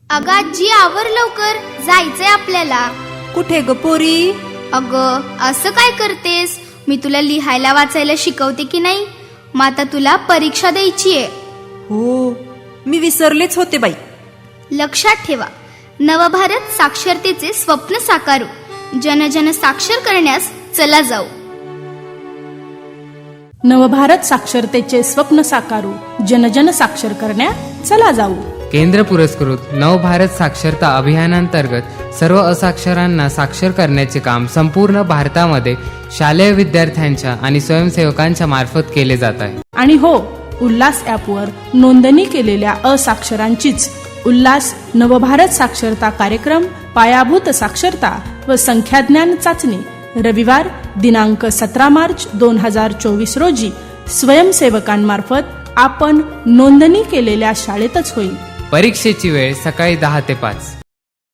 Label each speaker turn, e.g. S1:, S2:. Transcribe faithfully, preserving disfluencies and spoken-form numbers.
S1: अगं आजी, आवर लवकर, जायचंय आपल्याला.
S2: कुठे ग पोरी?
S1: अगं असं काय करतेस? मी तुला लिहायला वाचायला शिकवते की नाही? मग आता तुला परीक्षा द्यायची आहे.
S2: हो, मी विसरलेच होते बाई.
S1: लक्षात ठेवा, नवभारत साक्षरतेचे स्वप्न साकारू, जनजन साक्षर करण्यास चला जाऊ.
S3: नवभारत साक्षरतेचे स्वप्न साकारू, जनजन साक्षर करण्या चला जाऊ.
S4: केंद्र पुरस्कृत नवभारत साक्षरता अभियानांतर्गत सर्व असाक्षरांना साक्षर करण्याचे काम संपूर्ण भारतामध्ये शालेय विद्यार्थ्यांच्या आणि स्वयंसेवकांच्या मार्फत केले जात आहे.
S3: आणि हो, उल्हास ॲपवर नोंदणी केलेल्या असाक्षरांचीच उल्हास नवभारत साक्षरता कार्यक्रम, पायाभूत साक्षरता व संख्याज्ञान चाचणी रविवार दिनांक सतरा मार्च दोन हजार चोवीस रोजी स्वयंसेवकांमार्फत आपण नोंदणी केलेल्या शाळेतच होईल.
S4: परीक्षेची वेळ सकाळी दहा ते पाच.